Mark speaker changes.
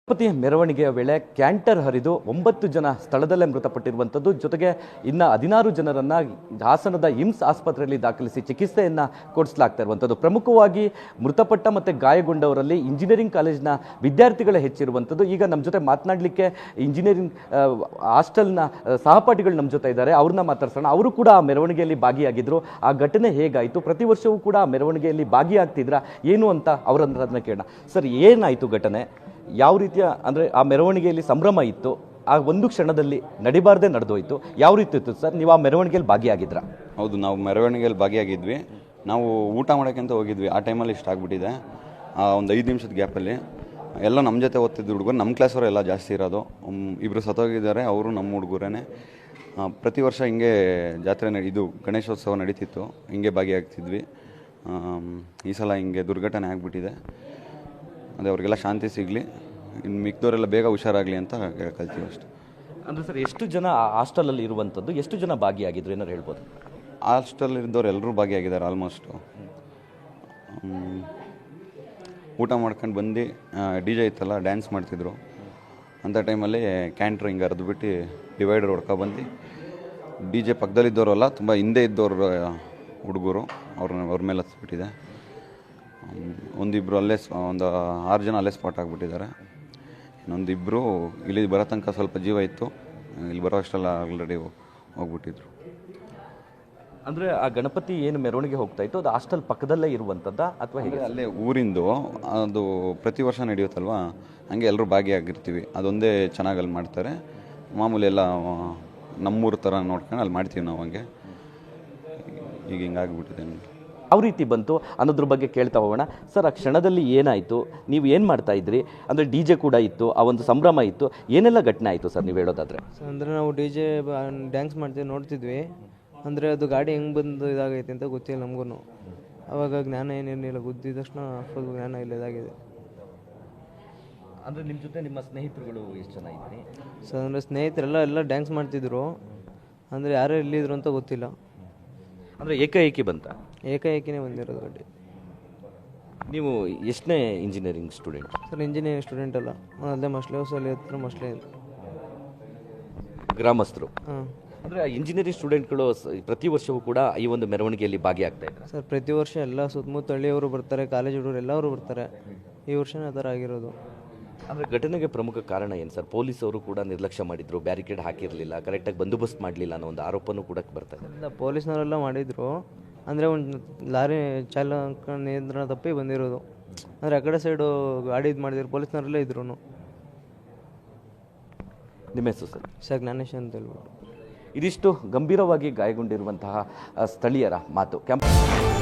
Speaker 1: ಗಣಪತಿ ಮೆರವಣಿಗೆಯ ವೇಳೆ ಕ್ಯಾಂಟರ್ ಹರಿದು 9 ಜನ ಸ್ಥಳದಲ್ಲೇ ಮೃತಪಟ್ಟಿರುವಂಥದ್ದು. ಜೊತೆಗೆ ಇನ್ನು 16 ಜನರನ್ನ ಹಾಸನದ ಇಮ್ಸ್ ಆಸ್ಪತ್ರೆಯಲ್ಲಿ ದಾಖಲಿಸಿ ಚಿಕಿತ್ಸೆಯನ್ನ ಕೊಡಿಸಲಾಗ್ತಾ ಇರುವಂಥದ್ದು. ಪ್ರಮುಖವಾಗಿ ಮೃತಪಟ್ಟ ಮತ್ತು ಗಾಯಗೊಂಡವರಲ್ಲಿ ಇಂಜಿನಿಯರಿಂಗ್ ಕಾಲೇಜಿನ ವಿದ್ಯಾರ್ಥಿಗಳೇ ಹೆಚ್ಚಿರುವಂಥದ್ದು. ಈಗ ನಮ್ಮ ಜೊತೆ ಮಾತನಾಡಲಿಕ್ಕೆ ಇಂಜಿನಿಯರಿಂಗ್ ಹಾಸ್ಟೆಲ್ನ ಸಹಪಾಠಿಗಳು ನಮ್ಮ ಜೊತೆ ಇದ್ದಾರೆ, ಅವ್ರನ್ನ ಮಾತಾಡ್ಸೋಣ. ಅವರು ಕೂಡ ಆ ಮೆರವಣಿಗೆಯಲ್ಲಿ ಭಾಗಿಯಾಗಿದ್ರು. ಆ ಘಟನೆ ಹೇಗಾಯಿತು, ಪ್ರತಿ ವರ್ಷವೂ ಕೂಡ ಆ ಮೆರವಣಿಗೆಯಲ್ಲಿ ಭಾಗಿಯಾಗ್ತಿದ್ರ ಏನು ಅಂತ ಅವರನ್ನ ಕೇಳೋಣ. ಸರ್, ಏನಾಯಿತು ಘಟನೆ? ಯಾವ ರೀತಿಯ ಅಂದರೆ ಆ ಮೆರವಣಿಗೆಯಲ್ಲಿ ಸಂಭ್ರಮ ಇತ್ತು, ಆ ಒಂದು ಕ್ಷಣದಲ್ಲಿ ನಡಿಬಾರ್ದೇ ನಡೆದೋಯ್ತು, ಯಾವ ರೀತಿ ಇತ್ತು ಸರ್? ನೀವು ಆ ಮೆರವಣಿಗೆಯಲ್ಲಿ ಭಾಗಿಯಾಗಿದ್ರಾ?
Speaker 2: ಹೌದು, ನಾವು ಮೆರವಣಿಗೆಯಲ್ಲಿ ಭಾಗಿಯಾಗಿದ್ವಿ. ನಾವು ಊಟ ಮಾಡೋಕ್ಕಂತ ಹೋಗಿದ್ವಿ. ಆ ಟೈಮಲ್ಲಿ ಇಷ್ಟ ಆಗಿಬಿಟ್ಟಿದೆ. ಒಂದು 5 ನಿಮಿಷದ ಗ್ಯಾಪಲ್ಲಿ ಎಲ್ಲ ನಮ್ಮ ಜೊತೆ ಓದ್ತಿದ್ದು ಹುಡುಗರು, ನಮ್ಮ ಕ್ಲಾಸವರು ಎಲ್ಲ ಜಾಸ್ತಿ ಇರೋದು. ಇಬ್ಬರು ಸತ್ತೋಗಿದ್ದಾರೆ, ಅವರು ನಮ್ಮ ಹುಡುಗರೇ. ಪ್ರತಿ ವರ್ಷ ಹಿಂಗೆ ಜಾತ್ರೆ ಇದು ಗಣೇಶೋತ್ಸವ ನಡೀತಿತ್ತು, ಹಿಂಗೆ ಭಾಗಿಯಾಗ್ತಿದ್ವಿ. ಈ ಸಲ ಹಿಂಗೆ ದುರ್ಘಟನೆ ಆಗಿಬಿಟ್ಟಿದೆ. ಅದೇ ಅವ್ರಿಗೆಲ್ಲ ಶಾಂತಿ ಸಿಗಲಿ, ಇನ್ನು ಮಿಕ್ದವರೆಲ್ಲ ಬೇಗ ಹುಷಾರಾಗಲಿ ಅಂತ ಕೇಳ್ಕೊಳ್ತೀವಿ ಅಷ್ಟೆ.
Speaker 1: ಅಂದರೆ ಸರ್, ಎಷ್ಟು ಜನ ಆ ಹಾಸ್ಟೆಲಲ್ಲಿ ಇರುವಂಥದ್ದು, ಎಷ್ಟು ಜನ ಭಾಗಿಯಾಗಿದ್ರು ಏನಾರು ಹೇಳ್ಬೋದು?
Speaker 2: ಹಾಸ್ಟೆಲಿದ್ದವ್ರು ಎಲ್ಲರೂ ಭಾಗಿಯಾಗಿದ್ದಾರೆ ಆಲ್ಮೋಸ್ಟು. ಊಟ ಮಾಡ್ಕೊಂಡು ಬಂದು DJ ಇತ್ತಲ್ಲ, ಡ್ಯಾನ್ಸ್ ಮಾಡ್ತಿದ್ರು. ಅಂಥ ಟೈಮಲ್ಲಿ ಕ್ಯಾಂಟ್ರ್ ಹಿಂಗೆ ಹರಿದ್ಬಿಟ್ಟು ಡಿವೈಡರ್ ಹೊಡ್ಕೊಬಂದು DJ ಪಕ್ಕದಲ್ಲಿದ್ದವರಲ್ಲ, ತುಂಬ ಹಿಂದೆ ಇದ್ದವ್ರು ಹುಡುಗರು, ಅವ್ರ ಮೇಲೆ ಹತ್ಬಿಟ್ಟಿದೆ. ಒಂದಿಬ್ಬರು ಅಲ್ಲೇ, ಒಂದು 6 ಜನ ಅಲ್ಲೇ ಸ್ಪಾಟ್ ಆಗಿಬಿಟ್ಟಿದ್ದಾರೆ. ಇನ್ನೊಂದಿಬ್ಬರು ಇಲ್ಲಿ ಬರೋ ತನಕ ಸ್ವಲ್ಪ ಜೀವ ಇತ್ತು, ಇಲ್ಲಿ ಬರೋ ಅಷ್ಟೆಲ್ಲ ಆಲ್ರೆಡಿ ಹೋಗ್ಬಿಟ್ಟಿದ್ರು.
Speaker 1: ಅಂದರೆ ಆ ಗಣಪತಿ ಏನು ಮೆರವಣಿಗೆ ಹೋಗ್ತಾ ಇತ್ತು, ಅದು ಹಾಸ್ಟೆಲ್ ಪಕ್ಕದಲ್ಲೇ ಇರುವಂಥದ್ದ ಅಥವಾ ಹೇಗೆ?
Speaker 2: ಅಲ್ಲೇ ಊರಿಂದು, ಅದು ಪ್ರತಿ ವರ್ಷ ನಡೆಯುತ್ತಲ್ವ, ಹಂಗೆ ಎಲ್ಲರೂ ಭಾಗಿಯಾಗಿರ್ತೀವಿ. ಅದೊಂದೇ ಚೆನ್ನಾಗಿ ಅಲ್ಲಿ ಮಾಡ್ತಾರೆ. ಮಾಮೂಲಿ ಎಲ್ಲ ನಮ್ಮೂರು ಥರ ನೋಡ್ಕೊಂಡು ಅಲ್ಲಿ ಮಾಡ್ತೀವಿ ನಾವು. ಹಂಗೆ ಈಗ ಹಿಂಗಾಗಿಬಿಟ್ಟಿದೆ.
Speaker 1: ಯಾವ ರೀತಿ ಬಂತು ಅನ್ನೋದ್ರ ಬಗ್ಗೆ ಕೇಳ್ತಾ ಹೋಗೋಣ. ಸರ್, ಆ ಕ್ಷಣದಲ್ಲಿ ಏನಾಯಿತು, ನೀವು ಏನು ಮಾಡ್ತಾ ಇದ್ರಿ? ಅಂದರೆ DJ ಕೂಡ ಇತ್ತು, ಆ ಒಂದು ಸಂಭ್ರಮ ಇತ್ತು, ಏನೆಲ್ಲ ಘಟನೆ ಆಯಿತು ಸರ್ ನೀವು ಹೇಳೋದಾದರೆ?
Speaker 3: ಅಂದರೆ ನಾವು DJ ಡ್ಯಾನ್ಸ್ ಮಾಡ್ತೀವಿ, ನೋಡ್ತಿದ್ವಿ. ಅಂದರೆ ಅದು ಗಾಡಿ ಹೆಂಗೆ ಬಂದು ಇದಾಗೈತೆ ಅಂತ ಗೊತ್ತಿಲ್ಲ ನಮಗೂ. ಆವಾಗ ಜ್ಞಾನ ಏನೇನಿಲ್ಲ, ಗುದ್ದಿದ ತಕ್ಷಣ ಫುಲ್ ಜ್ಞಾನ ಇಲ್ಲ ಇದಾಗಿದೆ.
Speaker 1: ಅಂದರೆ ನಿಮ್ಮ ಜೊತೆ ನಿಮ್ಮ ಸ್ನೇಹಿತರುಗಳು ಎಷ್ಟು ಜನ ಇದ್ರಿ
Speaker 3: ಸರ್? ಅಂದರೆ ಸ್ನೇಹಿತರೆಲ್ಲ ಡ್ಯಾನ್ಸ್ ಮಾಡ್ತಿದ್ರು. ಅಂದರೆ ಯಾರು ಎಲ್ಲಿದ್ರು ಅಂತ ಗೊತ್ತಿಲ್ಲ.
Speaker 1: ಅಂದರೆ ಏಕಾಏಕಿ ಬಂತ?
Speaker 3: ಏಕಾಏಕಿನೇ ಬಂದಿರೋದು ಗಾಡಿ.
Speaker 1: ನೀವು ಎಷ್ಟನೇ engineering student?
Speaker 3: Sir, engineering student ಅಲ್ಲ, ಅಲ್ಲೇ ಮಸ್ಲೆ ಹೌಸಲ್ಲಿ ಹತ್ರ ಮಸ್ಲೆ
Speaker 1: ಗ್ರಾಮಸ್ಥರು.
Speaker 3: ಹಾಂ.
Speaker 1: ಅಂದರೆ ಇಂಜಿನಿಯರಿಂಗ್ ಸ್ಟೂಡೆಂಟ್ಗಳು ಪ್ರತಿ ವರ್ಷವೂ ಕೂಡ ಈ ಒಂದು ಮೆರವಣಿಗೆಯಲ್ಲಿ ಭಾಗಿಯಾಗ್ತಾ ಇದ್ದಾರೆ
Speaker 3: ಸರ್. ಪ್ರತಿ ವರ್ಷ ಎಲ್ಲ ಸುತ್ತಮುತ್ತ ಹಳ್ಳಿಯವರು ಬರ್ತಾರೆ, ಕಾಲೇಜ್ ಹುಡುಗರು ಎಲ್ಲರೂ ಬರ್ತಾರೆ. ಈ ವರ್ಷನೇ ಆ ಥರ ಆಗಿರೋದು.
Speaker 1: ಅಂದರೆ ಘಟನೆಗೆ ಪ್ರಮುಖ ಕಾರಣ ಏನು ಸರ್? ಪೊಲೀಸವರು ಕೂಡ ನಿರ್ಲಕ್ಷ್ಯ ಮಾಡಿದ್ರು, ಬ್ಯಾರಿಕೇಡ್ ಹಾಕಿರಲಿಲ್ಲ, ಕರೆಕ್ಟಾಗಿ ಬಂದೋಬಸ್ತ್ ಮಾಡಲಿಲ್ಲ ಅನ್ನೋ ಒಂದು ಆರೋಪನೂ ಕೂಡ ಬರ್ತಾ ಇದೆ.
Speaker 3: ಇಲ್ಲ, ಪೊಲೀಸ್ನವರೆಲ್ಲ ಮಾಡಿದರು. ಅಂದರೆ ಒಂದು ಲಾರಿ ಚಾಲಕ ನಿಯಂತ್ರಣ ತಪ್ಪಿ ಬಂದಿರೋದು. ಅಂದರೆ ಆ ಕಡೆ ಸೈಡು ಗಾಡಿ ಇದು ಮಾಡಿದ್ರು, ಪೊಲೀಸ್ನವರೆಲ್ಲ ಇದ್ರು.
Speaker 1: ನಿಮ್ಮ ಹೆಸರು ಸರ್?
Speaker 3: ಸರ್, ಜ್ಞಾನೇಶ್ ಅಂತ ಹೇಳ್ಬಿಟ್ಟು.
Speaker 1: ಇದಿಷ್ಟು ಗಂಭೀರವಾಗಿ ಗಾಯಗೊಂಡಿರುವಂತಹ ಸ್ಥಳೀಯರ ಮಾತು.